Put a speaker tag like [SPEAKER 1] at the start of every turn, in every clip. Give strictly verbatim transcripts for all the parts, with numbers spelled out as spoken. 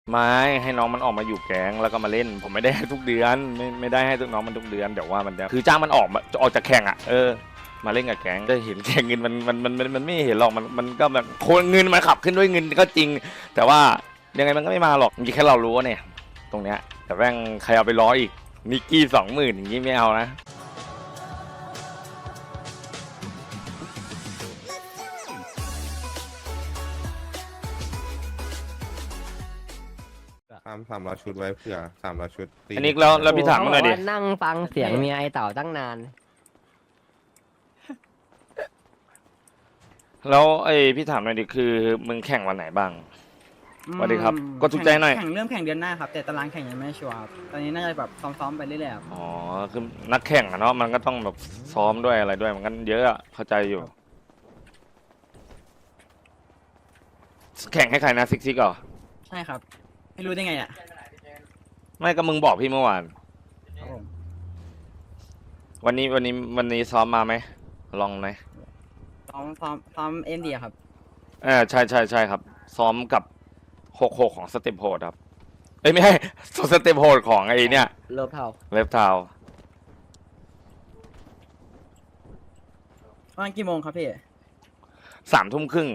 [SPEAKER 1] ไม่ให้น้องมันออกมาอยู่แก๊งแล้วก็มาเล่นผมไม่ได้ให้ทุกเดือนไม่ไม่ได้ให้ทุกน้องมันทุกเดือนเดี๋ยวว่ามันจะคือจ้างมันออกมาออกจากแข่งอ่ะเออมาเล่นกับแก๊งได้เห็นแข่งเงินมันมันมันมันมันไม่เห็นหรอกมันมันก็แบบโคนเงินมันขับขึ้นด้วยเงินก็จริงแต่ว่ายังไงมันก็ไม่มาหรอกมีแค่เรารู้เนี่ยตรงเนี้ยแต่แม่งใครเอาไปล้ออีกนิกกี้สองหมื่นอย่างนี้ไม่เอานะ
[SPEAKER 2] ทำสามร้อยชุดไว้เผื่อสามร้อยชุดตี
[SPEAKER 1] อันนี้แล้วแล้วพี่ถามมาหน่อยดิ
[SPEAKER 3] นั่งฟังเสียงเมียไอเต่าตั้งนาน
[SPEAKER 1] แล้วไอ้พี่ถามหน่อยดิคือมึงแข่งวันไหนบ้างสวัสดีครับก็ทุกใจหน่อย
[SPEAKER 4] แข่งเริ่มแข่งเดือนหน้าครับแต่ตารางแข่งยังไม่ชัวร์ครับตอนนี้น่าจะแบบซ้อมๆไปเรื่อยๆครับ
[SPEAKER 1] อ๋อคือนักแข่งอะเนาะมันก็ต้องแบบซ้อมด้วยอะไรด้วยมันก็เยอะอะเข้าใจอยู่ แข่งให้ใครนะซิกซิกเหรอ
[SPEAKER 4] ใช่ครับไม่รู้ได้ไงอ่ะ
[SPEAKER 1] ไม่ก็มึงบอกพี่เมื่อวาน
[SPEAKER 4] ครับผม
[SPEAKER 1] วันนี้วันนี้วันนี้ซ้อมมาไหมลองไหม
[SPEAKER 4] ซ้อมซ้อมซ้อมเอ็นดีครับ
[SPEAKER 1] เออใช่ใช่ใช่ครับ ซ้อมกับหกหกของสเต็ปโหดครับเอ้ยไม่ใช่สเต็ปโหดของไอ้เนี่ย
[SPEAKER 3] เลิฟเท่า
[SPEAKER 1] เล็บเทา
[SPEAKER 4] ประมาณกี่โมงครับพี่
[SPEAKER 1] สามทุ่มครึ่ง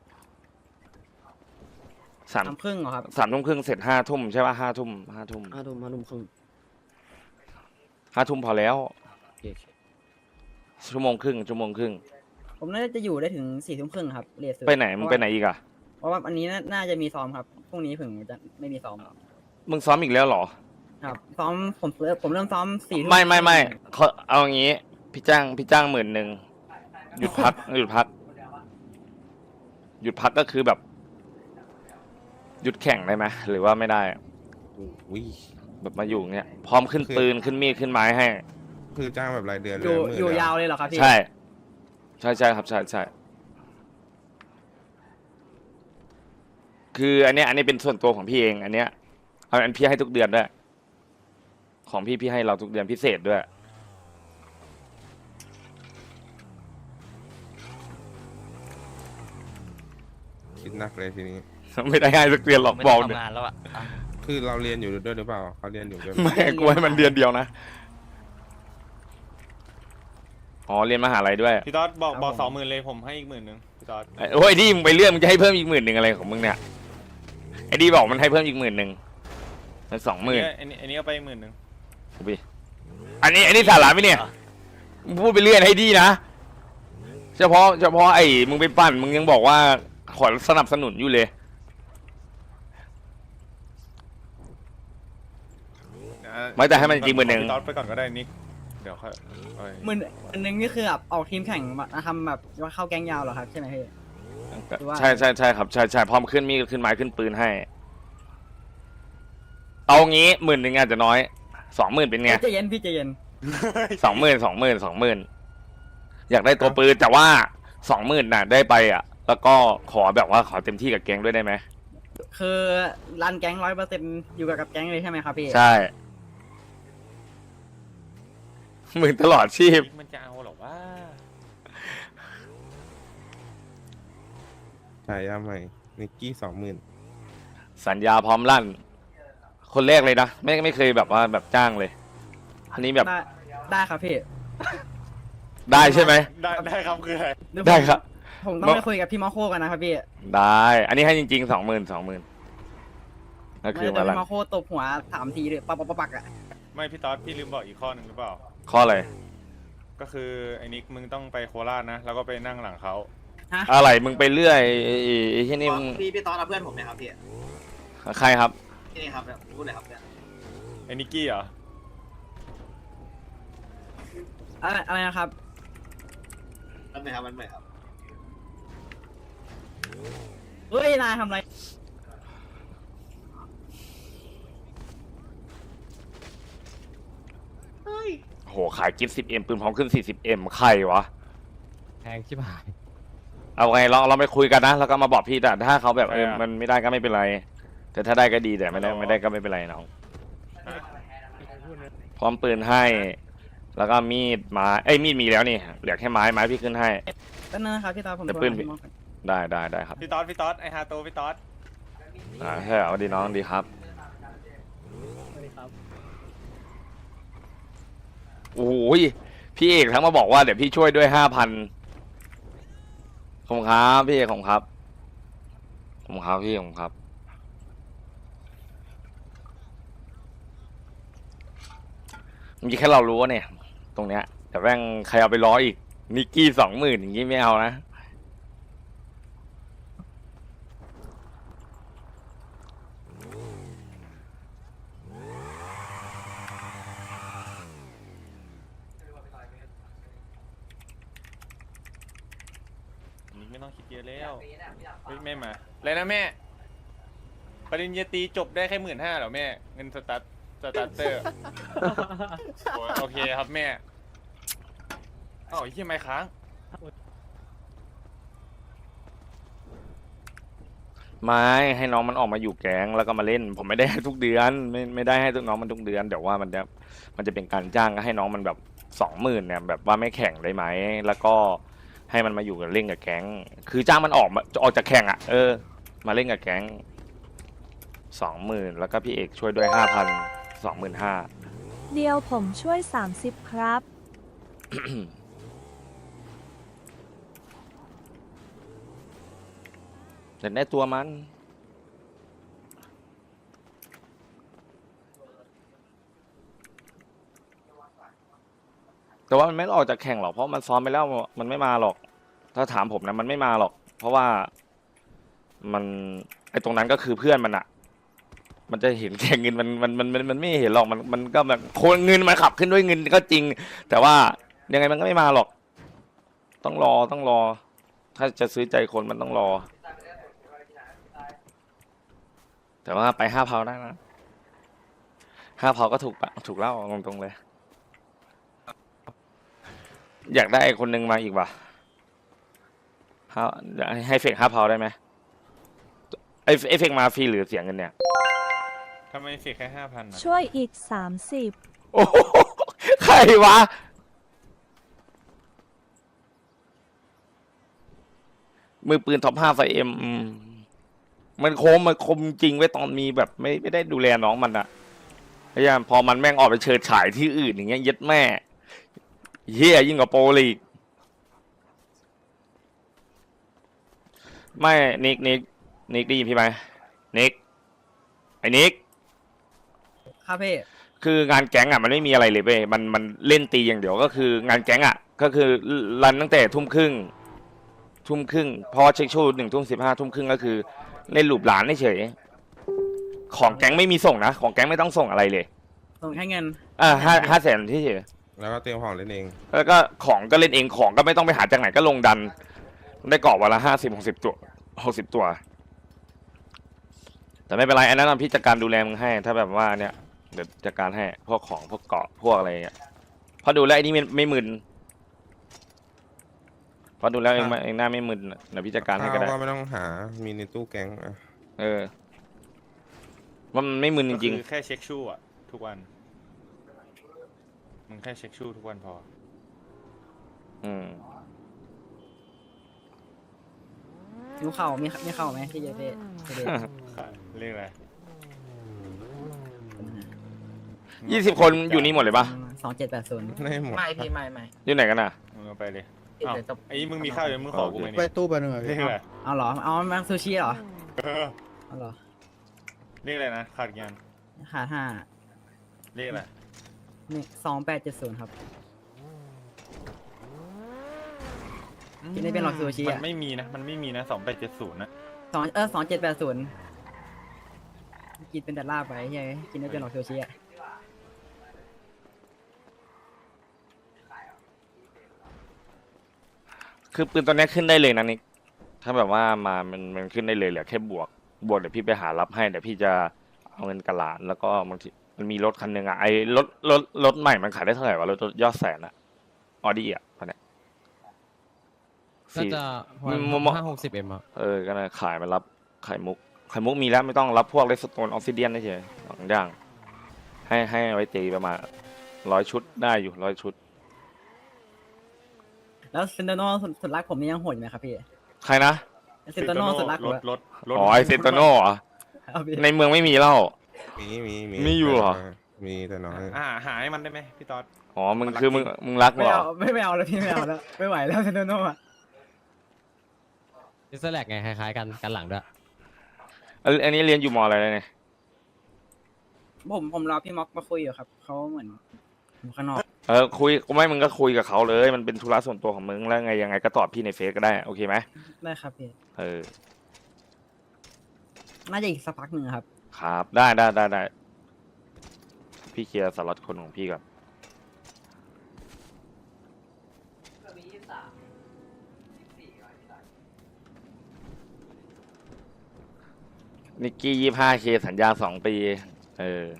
[SPEAKER 1] สาม
[SPEAKER 4] สามครึ่งเหรอครับ
[SPEAKER 1] สามทุ่มครึ่งเสร็จห้าทุ่มใช่ป่ะห้าทุ่มห้าทุ่ม
[SPEAKER 3] ห้าทุ่มห้าทุ่มครึ่ง
[SPEAKER 1] ห้าทุ่มพอแล้ว
[SPEAKER 3] โอเค
[SPEAKER 1] ชั่วโมงครึ่งชั่วโมงครึ่ง
[SPEAKER 4] ผมน่าจะอยู่ได้ถึงสี่ทุ่มครึ่งครับเรียน
[SPEAKER 1] ไปไหนมึงไปไหนอีกอะ
[SPEAKER 4] เพราะว่าอันนี้น่าจะมีซ้อมครับพรุ่งนี้ถึงจะไม่มีซ้อม
[SPEAKER 1] มึงซ้อมอีกแล้วเหรอ
[SPEAKER 4] ครับซ้อมผมเริ่มผมเริ่มซ้อมสี่ทุ่ม
[SPEAKER 1] ไม่ไม่ไม่เขาเอาอย่างงี้ พี่จ้างพี่จ้างหมื่นหนึ่งหยุดพัก หยุดพัก หยุดพักก็คือแบบ หยุดแข่งได้ไหมหรือว่าไม่ได้
[SPEAKER 2] อุ้ย
[SPEAKER 1] แบบมาอยู่เนี้ยพร้อมขึ้นปืนขึ้นมีดขึ้นไม้ให้
[SPEAKER 2] คือจ้างแบบรายเดือนเล
[SPEAKER 4] อยู่
[SPEAKER 2] หมื่น
[SPEAKER 4] อยู่
[SPEAKER 2] เดี
[SPEAKER 4] ยาวเลยเหรอครับพี่
[SPEAKER 1] ใช่ ใช่ใช่ครับใช่ใช่คืออันเนี้ยอันนี้เป็นส่วนตัวของพี่เอง อันเนี้ยเอาอันพี่ให้ทุกเดือนด้วยของพี่พี่ให้เราทุกเดือนพิเศษด้วย
[SPEAKER 2] คิดหนักเลยทีนี้
[SPEAKER 1] ไม่ได้ให้ทุกเดือนหรอกบอก
[SPEAKER 5] ทำงานแล้วอ่ะ
[SPEAKER 2] คือเราเรียนอยู่ด้วยหรือเปล่าเขาเรียนอยู่ด้วยไหม
[SPEAKER 1] ไม่กูให้มันเดือนเดียวนะอ๋อเรียนมหาลัยด้วย
[SPEAKER 5] พี่ต๊อดบอกบอกสองหมื่นเลยผมให้อีกหมื่นหนึ่งพี่ต๊อด
[SPEAKER 1] ไอ้โอ้ยไอ้ดีมึงไปเลื่อนมึงจะให้เพิ่มอีกหมื่นหนึ่งอะไรของมึงเนี่ยไอ้ดีบอกมันให้เพิ่มอีกหมื่นหนึ่งมันสองหมื่น
[SPEAKER 5] อันนี้อันนี้ก็ไปหมื่นหนึ่ง
[SPEAKER 1] อันนี้อันนี้สาระไหมเนี่ยมึงพูดไปเรื่อยให้ดีนะเฉพาะเฉพาะไอ้มึงไปปั่นมึงยังบอกว่าขอสนับสนุนอยู่เลย ไม่แต่ให้มันจริงหมื่นหนึ่ง
[SPEAKER 5] พี่ต๊อดไปก่อนก็ได้นิกเดี๋ยวค่อยเอาไป
[SPEAKER 4] หมื่นอันนึงนี่คือแบบออกทีมแข่งมาทำแบบว่าเข้าแก๊งยาวเหรอครับใช่ไหมพี่ หรือว่า
[SPEAKER 1] ใช่ใช่ใช่ครับใช่ใช่พร้อมขึ้นมีดขึ้นไม้ขึ้นปืนให้ เอางี้หมื่นหนึ่งอาจจะน้อยสองหมื่นเป็นไง
[SPEAKER 4] ใจเย็นพี่ใจเย็น
[SPEAKER 1] สองหมื่นสองหมื่นสองหมื่นอยากได้ตัวปืนแต่ว่าสองหมื่นน่ะได้ไปอ่ะ แล้วก็ขอแบบว่าขอเต็มที่กับแก๊งด้วยได้ไหม
[SPEAKER 4] คือรันแก๊งร้อยเปอร์เซ็นต์อยู่กับแก๊งเลยใช่ไหมครับพี่
[SPEAKER 1] ใช่หมื่นตลอดชีพ
[SPEAKER 5] มันจะเอาหรอว่า
[SPEAKER 2] ฉายาใหม่นิกกี้สองหมื่น
[SPEAKER 1] สัญญาพร้อมลั่น คนแรกเลยนะไม่ไม่เคยแบบว่าแบบจ้างเลย อันนี้แบบ
[SPEAKER 4] ได้ได้ครับพี่
[SPEAKER 1] ได้ใช่ไหม
[SPEAKER 5] ได้ได้ครับคืออะไร
[SPEAKER 4] เยวผม
[SPEAKER 1] ได้ครับ
[SPEAKER 4] ผมต้องไปคุยกับพี่มาโคกันนะครับพี่
[SPEAKER 1] ได้ อันนี้ให้จริงๆสองหมื่นสองหมื่นก็
[SPEAKER 4] ไม่
[SPEAKER 1] คือ
[SPEAKER 4] ได้
[SPEAKER 1] มา
[SPEAKER 4] พี่
[SPEAKER 1] ลั่น
[SPEAKER 4] มาโคตบหัวสามทีเลยปักปักปักปักอ่ะ
[SPEAKER 5] ไม่พี่ต๊อดพี่ลืมบอกอีกข้อหนึ่งหรือเปล่า
[SPEAKER 1] ข้ออะไร
[SPEAKER 5] ก็คือไอ้นิกมึงต้องไปโคราชนะ แล้วก็ไปนั่งหลังเขา
[SPEAKER 4] ฮะ
[SPEAKER 1] อะไรมึงไปเรื่อยไอ้ไอ้ไอ้ที่นี่มึง
[SPEAKER 6] พี่พี่ตอนเอาเพื่อนผมเนี่ยครับพี่
[SPEAKER 1] ใครครับ
[SPEAKER 6] นี่ครับเนี่ยพูดเลยครับเนี่ย
[SPEAKER 5] ไอ้นิกกี้เหรอ
[SPEAKER 4] อะไรอะไรนะครับ
[SPEAKER 6] มันไหนครับมันไหนครับ
[SPEAKER 4] เฮ้ยนายทำอะไร
[SPEAKER 1] โหขายกิฟต์สิบเอ็มปืนพร้อมขึ้นสี่สิบเอ็มใครวะ
[SPEAKER 3] แพงชิบหาย
[SPEAKER 1] เอาไงเราเราไปคุยกันนะ แล้วก็มาบอกพี่แต่ถ้าเขาแบบเออ
[SPEAKER 5] เออ
[SPEAKER 1] มันไม่ได้ก็ไม่เป็นไร แต่ถ้าได้ก็ดีแต่ไม่ได้ไม่ได้ก็ไม่เป็นไรน้องพร้อมปืนให้ แล้วก็มีดไม้เอ้ยมีดมีแล้วนี่เหลือแค่ไม้ไม้พี่ขึ้นให้
[SPEAKER 4] ก็นั่นนะครับพี่ตาผม
[SPEAKER 1] แต่
[SPEAKER 4] โทร
[SPEAKER 1] ปืน
[SPEAKER 4] หาพี่มาโค
[SPEAKER 1] ได้ได้ได้ครับ
[SPEAKER 5] พี่ต๊อดพี่ต๊อดไอฮาโตพี่ต๊อด
[SPEAKER 1] อ่าใช่เหรอสวัสดีน้องดีครับ
[SPEAKER 3] สวัสดีครับ
[SPEAKER 1] โอ้ยพี่เอกทั้งมาบอกว่าเดี๋ยวพี่ช่วยด้วยห้าพันขอบคุณครับพี่เอกขอบคุณครับขอบคุณครับพี่ขอบคุณครับมีแค่เรารู้ว่าเนี่ย ตรงเนี้ยแต่แม่งใครเอาไปล้ออีกนิกกี้สองหมื่นอย่างงี้ไม่เอานะ
[SPEAKER 5] นิกไม่ต้องคิดเยอะแล้วเฮ้ยแม่มาอะไรนะแม่ ปริญญาตรีจบได้แค่หมื่นห้าเหรอแม่ เงินสตาร์ทสตาร์เตอร์ โอ้ยโอเคครับแม่อ้าวไอ้เหี้ยไม่ค้าง
[SPEAKER 1] ไม่ให้น้องมันออกมาอยู่แก๊งแล้วก็มาเล่น ผมไม่ได้ให้ทุกเดือนไม่ไม่ได้ให้ทุกน้องมันทุกเดือนเดี๋ยวว่ามันจะมันจะเป็นการจ้างก็ให้น้องมันแบบสองหมื่นเนี่ยแบบว่าไม่แข่งได้ไหมแล้วก็ให้มันมาอยู่กับเล่นกับแก๊งคือจ้างมันออกมาออกจากแข่งอ่ะเออมาเล่นกับแก๊งสองหมื่นแล้วก็พี่เอกช่วยด้วยห้าพันสองหมื่นห้า
[SPEAKER 7] เดียวผมช่วยสามสิบครับ
[SPEAKER 1] แต่ได้ตัวมันแต่ว่ามันไม่ออกจากแข่งหรอกเพราะมันซ้อมไปแล้วมันไม่มาหรอก ถ้าถามผมนะมันไม่มาหรอก เพราะว่ามันไอตรงนั้นก็คือเพื่อนมันอะมันจะเห็นแค่เงินมันมันมันมันมันไม่เห็นหรอกมันมันก็แบบโคนเงินมันขับขึ้นด้วยเงินก็จริง แต่ว่ายังไงมันก็ไม่มาหรอก ต้องรอต้องรอ ถ้าจะซื้อใจคนมันต้องรอ แต่ว่าไปห้าเพาได้นะห้าเพาก็ถูกปะถูกเล่าตรงๆเลย อยากได้คนหนึ่งมาอีกว่ะห้าให้เฟกห้าเพาได้ไหมไอไอเฟกมาฟรีหรือเสียเงินเนี่ย
[SPEAKER 5] ทำไมเสียแค่ห้าพันอ่ะ
[SPEAKER 7] ช่วยอีกสามสิบ
[SPEAKER 1] โอ้โหใครวะ มือปืนท็อปห้าไฟเอ็มมันโคมมันคมจริงไว้ตอนมีแบบไม่ไม่ได้ดูแลน้องมันอะพยายามพอมันแม่งออกไปเชิดฉายที่อื่นอย่างเงี้ยเย็ดแม่เฮียยิ่งกว่าโปรลีกไม่นิกนิกนิกได้ยินพี่ไหมนิกไอ้นิก
[SPEAKER 4] ครับพี่
[SPEAKER 1] คืองานแก๊งอ่ะมันไม่มีอะไรเลยเว้ยมันมันเล่นตีอย่างเดียวก็คืองานแก๊งอ่ะก็คือรันตั้งแต่ทุ่มครึ่งทุ่มครึ่งพอเช็คชูหนึ่งทุ่มสิบห้าทุ่มครึ่งก็คือเล่นหลูบหลานเฉยของแก๊งไม่มีส่งนะของแก๊งไม่ต้องส่งอะไรเลย
[SPEAKER 4] ส่งแค่เงิน
[SPEAKER 1] อ่าห้าห้าแสนที่เฉย
[SPEAKER 2] แล้วก็เตรียมของเล่นเอง
[SPEAKER 1] แล้วก็ของก็เล่นเองของก็ไม่ต้องไปหาจากไหนก็ลงดัน ได้กรอบวันละห้าสิบหกสิบตัวหกสิบตัว แต่ไม่เป็นไรอันนั้นพี่จัดการดูแลมึงให้ ถ้าแบบว่าเนี่ยเดี๋ยวจัดการให้พวกของพวกเกาะพวกอะไรเงี้ยพอดูแล้วไอ้นี่ไม่ไม่มึนพอดูแล้วเองไม่เองหน้าไม่มึนเดี๋ยวพี่จัดการให้ก็ได้
[SPEAKER 2] ข้าวก็ไม่ต้องหามีในตู้แก๊งอ่ะ
[SPEAKER 1] เออว่ามันไม่มึนจ
[SPEAKER 5] ก็
[SPEAKER 1] ริง
[SPEAKER 5] คือแค่เช็คชู่อ่ะ ทุกวัน มึงแค่เช็คชู่ทุกวันพอ
[SPEAKER 1] ๆอืม
[SPEAKER 4] นิ้วเข่ามีมีเข่าไหมพี่เจเจเจเจ
[SPEAKER 5] เรียกอะไร
[SPEAKER 1] ยี่สิบคนอยู่นี่หมดเลยปะ
[SPEAKER 4] สองเจ็ดแปดศูนย์
[SPEAKER 2] ได้หมด
[SPEAKER 8] ไม่พี่ไม่ไม่
[SPEAKER 1] อยู่ไหนกันอ่ะ
[SPEAKER 5] มึงเอาไปเลย
[SPEAKER 8] พี่
[SPEAKER 5] อ้าว
[SPEAKER 8] เดี๋ยวจะ
[SPEAKER 5] ไอ้มึงมีข้าวเดี๋ยวมึงขอกูไหม
[SPEAKER 9] ไป
[SPEAKER 5] เนี่ย
[SPEAKER 9] ตู้ไปหนึ่งอะ
[SPEAKER 5] เรีย
[SPEAKER 9] พี่
[SPEAKER 5] กอะไร
[SPEAKER 4] เอาเหรอ เอามาซูชิเหรอ
[SPEAKER 5] เออ
[SPEAKER 4] เอาเหรอ
[SPEAKER 5] เรียกอะไรนะ ขาดงาน
[SPEAKER 4] ขาดห้า
[SPEAKER 5] เรียกอะไร
[SPEAKER 4] นี่สองแปดเจ็ดศูนย์ครับ กินได้เป็นหรอกซูชิ
[SPEAKER 5] มั
[SPEAKER 4] อะ
[SPEAKER 5] นไม่มีนะ มันไม่มีนะสองแปดเจ็ดศูนย์นะ
[SPEAKER 4] สองเออสองเจ็ดแปดศูนย์กินเป็นแต่ลาบไปใช่ไหมกินได้เป็นหรอกซูชิอ่ะ
[SPEAKER 1] คือปืนตัวเนี้ยขึ้นได้เลยนะนิกถ้าแบบว่ามามันมันขึ้นได้เลยเหลือแค่บวก บวกเดี๋ยวพี่ไปหารับให้เดี๋ยวพี่จะเอาเงินกระหลานแล้วก็บางทีมันมีรถคันหนึ่งอ่ะไอ้รถรถรถใหม่มันขายได้เท่าไหร่วะรถยอดแสนอะออดี้อ่ะตอนเนี้ย
[SPEAKER 3] น่า
[SPEAKER 1] สี่
[SPEAKER 3] จะ
[SPEAKER 1] มม
[SPEAKER 3] ห้าหกสิบเอ็มอะ
[SPEAKER 1] เออก็เลยขายมารับไข่มุกไข่มุกมีแล้วไม่ต้องรับพวกเลสโตนออฟซิเดียนได้เฉยสองอย่างให้ให้ไว้ตีประมาณร้อยชุดได้อยู่ร้อยชุด
[SPEAKER 4] แล้วเซนโตโน่สุดสุดรักผมนี่ยังโหดอยู่ไหมครับพี่
[SPEAKER 1] ใครนะ
[SPEAKER 4] เซนโตโน่สุดรัก
[SPEAKER 5] ร
[SPEAKER 4] ผม
[SPEAKER 5] ถรถรถ
[SPEAKER 1] อ๋อไอเซนโตโน่เหรอ
[SPEAKER 4] เอาพี่
[SPEAKER 1] ในเมืองไม่มีแล้ว
[SPEAKER 2] มีมีมี
[SPEAKER 1] มีอยู่เหรอ
[SPEAKER 2] มีแต่น้อย
[SPEAKER 5] อ่าหาให้มันได้ไหมพี่ต๊อด
[SPEAKER 1] อ๋อมึง
[SPEAKER 5] มันรัก
[SPEAKER 1] คือมึง
[SPEAKER 5] จริง
[SPEAKER 1] มึงรัก
[SPEAKER 4] ไม่
[SPEAKER 1] เหรอ
[SPEAKER 4] เอาไม่ไม่เอาแล้วพี่ไม่เอาแล้วไม่ไหวแล้วเซนโนโน่อะ
[SPEAKER 3] ดิสแลกไงคล้ายๆกันกันหลังด้วย
[SPEAKER 1] อันอันนี้เรียนอยู่มอะไรเลยเนี่ย
[SPEAKER 4] ผมผมรอพี่ม็อกมาคุยอยู่ครับเขาเหมือนอยู่ข้างนอก
[SPEAKER 1] เออคุยไม่มึงก็คุยกับเขาเลย มันเป็นธุระส่วนตัวของมึงแล้วไงยังไงก็ตอบพี่ในเฟซก็ได้โอเคไหม
[SPEAKER 4] ได้ครับพี่
[SPEAKER 1] เออ
[SPEAKER 4] น่าจะอีกสักพักหนึ่งครับ
[SPEAKER 1] ครับได้ได้ได้ได้พี่เคลียร์สล็อตคนของพี่ก่อนนิกกี้ยี่ห้าเคสัญญาสองปี เออ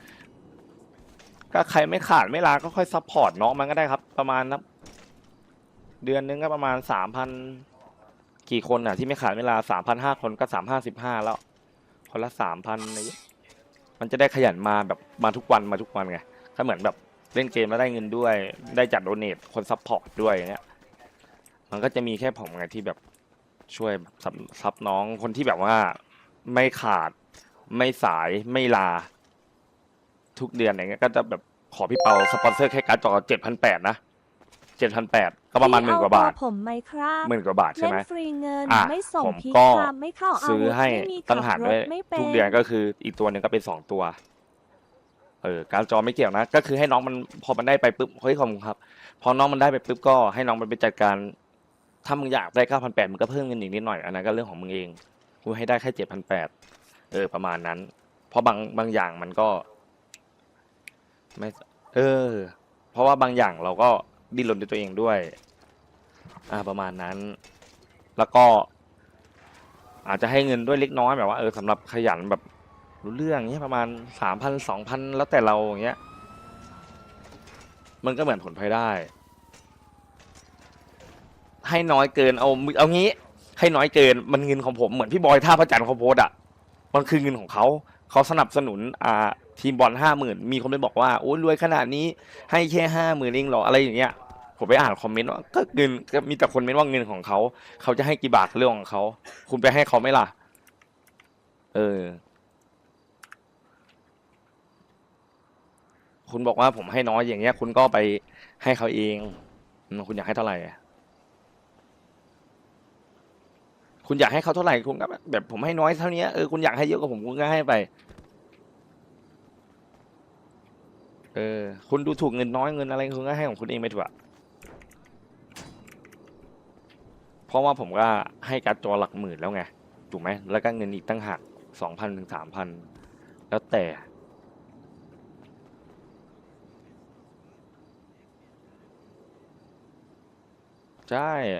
[SPEAKER 1] ก็ใครไม่ขาดไม่ลาก็ค่อยซัพพอร์ตน้องมันก็ได้ครับ ประมาณนับเดือนนึงก็ประมาณสามพันกี่คนอ่ะ ที่ไม่ขาดเวลาสามพันห้าคนก็สามห้าสิบห้าแล้ว คนละสามพันอะไรอย่างเงี้ยมันจะได้ขยันมาแบบมาทุกวันมาทุกวันไงถ้าเหมือนแบบเล่นเกมแล้วได้เงินด้วย ได้จัดโดเนทคนซัพพอร์ตด้วยอย่างเงี้ย มันก็จะมีแค่ผมไงที่แบบช่วยซับซับน้องคนที่แบบว่าไม่ขาดไม่สายไม่ลา ทุกเดือนอย่างเงี้ยก็จะแบบขอพี่เปาสปอนเซอร์แค่การ์ดจอเจ็ดพันแปดนะเจ็ดพันแปดก็ประมาณหมื่นกว่าบาท
[SPEAKER 7] พี่เอเบอร์ผมไหมครับ
[SPEAKER 1] หมื่นกว่าบาทใช่
[SPEAKER 7] เล่
[SPEAKER 1] ไหม
[SPEAKER 7] นฟรีเงิน
[SPEAKER 1] อ่ะ
[SPEAKER 7] ไม่ส่ง
[SPEAKER 1] ผม
[SPEAKER 7] พี
[SPEAKER 1] ก็
[SPEAKER 7] คามไม่เข้าอา
[SPEAKER 1] ซื้อ
[SPEAKER 7] วุธ
[SPEAKER 1] ให้
[SPEAKER 7] ไม่มี
[SPEAKER 1] ตั้
[SPEAKER 7] ขั
[SPEAKER 1] ง
[SPEAKER 7] บ
[SPEAKER 1] หาร
[SPEAKER 7] ร
[SPEAKER 1] ไว้
[SPEAKER 7] ถไม่เป็น
[SPEAKER 1] ทุกเดือนก็คืออีกตัวหนึ่งก็เป็นสองตัว เออการดจอไม่เกี่ยวนะ ก็คือให้น้องมันพอมันได้ไปปุ๊บเฮ้ยขอบคุณครับ พอน้องมันได้ไปปุ๊บก็ให้น้องมันไปจัดการ ถ้ามึงอยากได้เก้าพันแปดมึงก็เพิ่มเงินอีกนิดหน่อยอันนั้นก็เรื่องของมึงเองกูให้ได้แค่เจ็ดพันแปดเออประมาณนั้น เพราะบางบางอย่างมันก็ ไม่ เออ เพราะว่าบางอย่างเราก็ดิ้นรนด้วยตัวเองด้วย อ่าประมาณนั้น แล้วก็ อาจจะให้เงินด้วยเล็กน้อยแบบว่าเออสำหรับขยันแบบรู้เรื่องเงี้ยประมาณสามพันสองพันแล้วแต่เราอย่างเงี้ย มันก็เหมือนผลพลอยได้ ให้น้อยเกินเอาเอางี้ ให้น้อยเกินมันเงินของผมเหมือนพี่บอยท่าพระจันทร์เขาโพสต์อ่ะมันคือเงินของเขาเขาสนับสนุนอ่าทีมบอลห้าหมื่นมีคนไปบอกว่าโอ้ยรวยขนาดนี้ให้แค่ห้าหมื่นเองเหรออะไรอย่างเงี้ยผมไปอ่านคอมเมนต์ว่าก็เงินก็มีแต่คนเมนต์ว่าเงินของเขาเขาจะให้กี่บาทเรื่องของเขาคุณไปให้เขาไหมล่ะ เออ คุณบอกว่าผมให้น้อยอย่างเงี้ย คุณก็ไปให้เขาเองอืมคุณอยากให้เท่าไหร่อะคุณอยากให้เขาเท่าไหร่คุณก็แบบผมให้น้อยเท่านี้เออคุณอยากให้เยอะกว่าผมคุณก็ให้ไป เออ คุณดูถูกเงินน้อยเงินอะไรคุณก็ให้ของคุณเองไปเถอะเพราะว่าผมก็ให้การ์ดจอหลักหมื่นแล้วไงถูกไหมแล้วก็เงินอีกตั้งหักสองพันถึงสามพันแล้วแต่ ใช่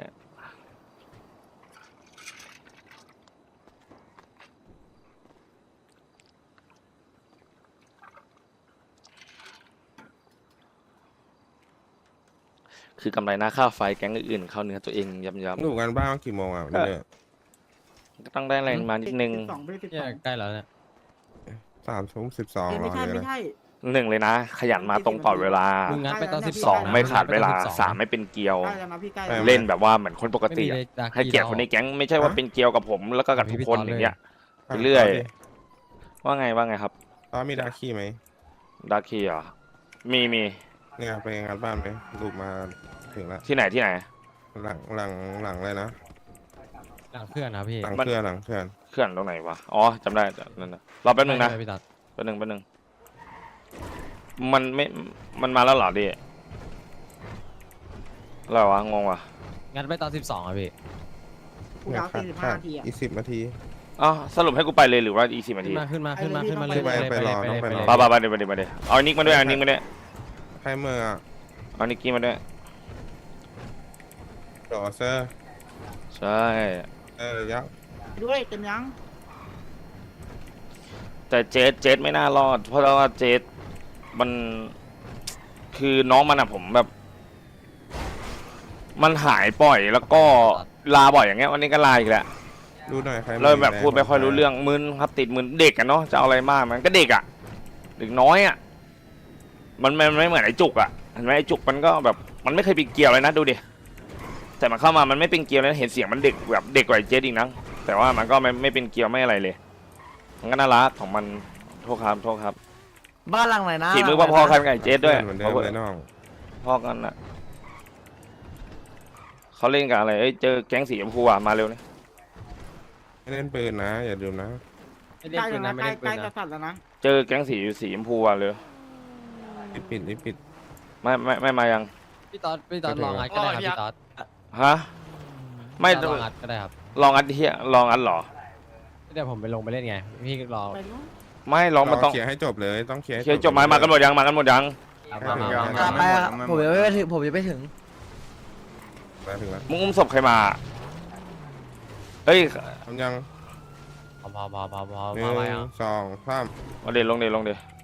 [SPEAKER 1] คือกำไรหน้าค่าไฟแก๊งอื่นๆเข้าเนื้อตัวเองย้ำ
[SPEAKER 2] ดูกันบ้างกี่โมงอ่ะวันนี้เนี่ย
[SPEAKER 1] ๆก็ต้องได้แรงมานิดนึง
[SPEAKER 4] สองไม่ได้สิบ
[SPEAKER 3] เนี่
[SPEAKER 4] ส
[SPEAKER 3] ย
[SPEAKER 4] อง
[SPEAKER 3] ใกล้แล้วเนี่ย
[SPEAKER 2] สามทุ่มสิบสองร
[SPEAKER 4] ไม่
[SPEAKER 2] อ
[SPEAKER 4] ใช่
[SPEAKER 2] เลย
[SPEAKER 4] ไม่
[SPEAKER 2] นะ
[SPEAKER 4] ใช่
[SPEAKER 1] หนึ่งเลยนะ ขยันมาตรงต่อเวลา
[SPEAKER 3] มึงงัดไปตอนสิบ
[SPEAKER 1] ส
[SPEAKER 3] ส
[SPEAKER 1] อ
[SPEAKER 3] อง ง
[SPEAKER 1] ไม่ขาดเวลา
[SPEAKER 3] งัดไปตอนสิบสอง
[SPEAKER 1] สามไม่เป็นเกลียว
[SPEAKER 4] ใกล้แล้วนะพี่ใกล้
[SPEAKER 2] ไม่
[SPEAKER 4] แล้ว
[SPEAKER 1] เล่นแบบว่าเหมือนคนปกติ
[SPEAKER 3] ไม่
[SPEAKER 1] อะ
[SPEAKER 3] มีดาร์
[SPEAKER 1] ให้เกียรติคนในแก๊งไม่ใช่ว่าเป็นเกลียวกับผมแล้วก็กับทุกคน
[SPEAKER 3] มีพี่
[SPEAKER 1] อย่างเงี้ย
[SPEAKER 2] อ่ะ
[SPEAKER 1] เรื่อย
[SPEAKER 2] าดิ
[SPEAKER 1] ว่าไงว่าไงครับ
[SPEAKER 2] ตอนมีดาคีไหม
[SPEAKER 1] ดาร์คีเหรอมีมี
[SPEAKER 2] เนี่ยไปงานบ้านไหมลูกมาถึงแล้ว
[SPEAKER 1] ที่ไหนที่ไหน
[SPEAKER 2] หลังหลังหลังเลยนะ
[SPEAKER 3] หลังเพื่อนนะพี่
[SPEAKER 2] หลัง
[SPEAKER 1] มัน
[SPEAKER 2] เพื่อนหลังเพื่อน
[SPEAKER 1] เคลื่อนตรงไหนวะอ๋อจำได้นั่นนะรอแป๊บนึงนะ
[SPEAKER 3] ใช่พี่ตัด
[SPEAKER 1] แป๊บนึงแป๊บนึงมันไม่มันมาแล้วเหรอดิอะไรวะงงวะ
[SPEAKER 3] งัดไปตอนสิบสองอ่ะพี่
[SPEAKER 4] กูดาวสี่สิบห้านาทีอ่ะ
[SPEAKER 2] อีกสิบนาที
[SPEAKER 1] อ๋อสรุปให้กูไปเลยหรือว่าอีกสิบนา
[SPEAKER 3] ขึ้
[SPEAKER 1] ที
[SPEAKER 3] นมาขึ้นมาขึ้นมาขึ้นมา
[SPEAKER 2] ไป
[SPEAKER 3] เลย
[SPEAKER 2] ไปไปรอ
[SPEAKER 3] ไป
[SPEAKER 2] น้องไปรอ
[SPEAKER 3] เลย
[SPEAKER 1] บ้าบ้าบ้าเดี๋ยวมาเดี๋ยวมาเดี๋ยวเอานิกมาด้วยเอานิกมาด้วย
[SPEAKER 2] ให้เมื่ออ่ะ
[SPEAKER 1] เอานิกกี้มาด้วย
[SPEAKER 2] ดอเซอร์
[SPEAKER 1] ใช่
[SPEAKER 2] เออยักษ์
[SPEAKER 4] ด้วยเต็มยัง
[SPEAKER 1] แต่เจสเจสไม่น่ารอด เพราะว่าเจสมันคือน้องมันอะผมแบบ มันหายบ่อยแล้วก็ลาบ่อยอย่างเงี้ยวันนี้ก็ลาอีกแล้ว
[SPEAKER 2] ดูหน่อยใคร
[SPEAKER 1] เริ่มแบบพูดไม่ค่อยรู้เรื่องมึนครับติดมึนเด็กอะเนาะจะเอาอะไรมากมันก็เด็กอะเด็กน้อยอะมันมันไม่เหมือนไอ้จุกอะเห็นไหมไอ้จุกมันก็แบบมันไม่เคยเป็นเกลียวเลยนะดูดิแต่มันเข้ามามันไม่เป็นเกลียวเลยเห็นเสียงมันเด็กแบบเด็กกว่าไอ้เจสอีกนะแต่ว่ามันก็ไม่ไม่เป็นเกลียวไม่อะไรเลยมันก็น่ารักของมันโทษครับโทษครับ
[SPEAKER 8] บ้านหลังไหนนะ
[SPEAKER 1] ฝีมือพอๆกันกับไอ้เจสด้วย
[SPEAKER 2] เหมือนเดิมเลยน้อง
[SPEAKER 1] พ่อกันนะเขาเล่นกับอะไรเอ้ยเจอแก๊งสีชมพูอ่ะมาเร็วนี่
[SPEAKER 2] ไม่เล่นปืนนะ อย่าลืมนะ
[SPEAKER 3] ไม่เล่นปืนนะไม่เล่นปืนนะ
[SPEAKER 4] สัตว์แล้วนะ
[SPEAKER 1] เจอแก๊งสีสีชมพูอ่ะเลย
[SPEAKER 2] ปิดปิดปิดปิด
[SPEAKER 1] ไม่ไม่ไม่มายัง
[SPEAKER 3] พี่ต๊อดพี่ต๊อดลองอัดก็ได้ครับพี่ต๊อด
[SPEAKER 1] ฮะไม่
[SPEAKER 3] ลองอัดก็ได้ครับ
[SPEAKER 1] ลองอัดเฮียลองอัดเหรอ
[SPEAKER 3] เดี๋ยวผมไปลงไปเล่นไงพี่รอ
[SPEAKER 1] ไม่ลองมันต้อง
[SPEAKER 2] เคลียร์ให้จบเลยต้องเคลียร์ให้
[SPEAKER 1] เคลียร์จบไหมมากันหมดยังมากันหมดยัง
[SPEAKER 3] มามา
[SPEAKER 2] ยัง
[SPEAKER 3] มา
[SPEAKER 8] ไปอะผมยังไม่ถึงผมยังไม่ถึง
[SPEAKER 2] มาถึงแล้ว
[SPEAKER 1] มึงอุ้มศพใครมาเฮ้ย
[SPEAKER 2] ทำยัง
[SPEAKER 3] พอพอพอพอพอ
[SPEAKER 2] หนึ่
[SPEAKER 3] มาง มายัง
[SPEAKER 2] สองสาม
[SPEAKER 1] เอาเดี๋ยวลงเดี๋ยวลงเดี๋ยว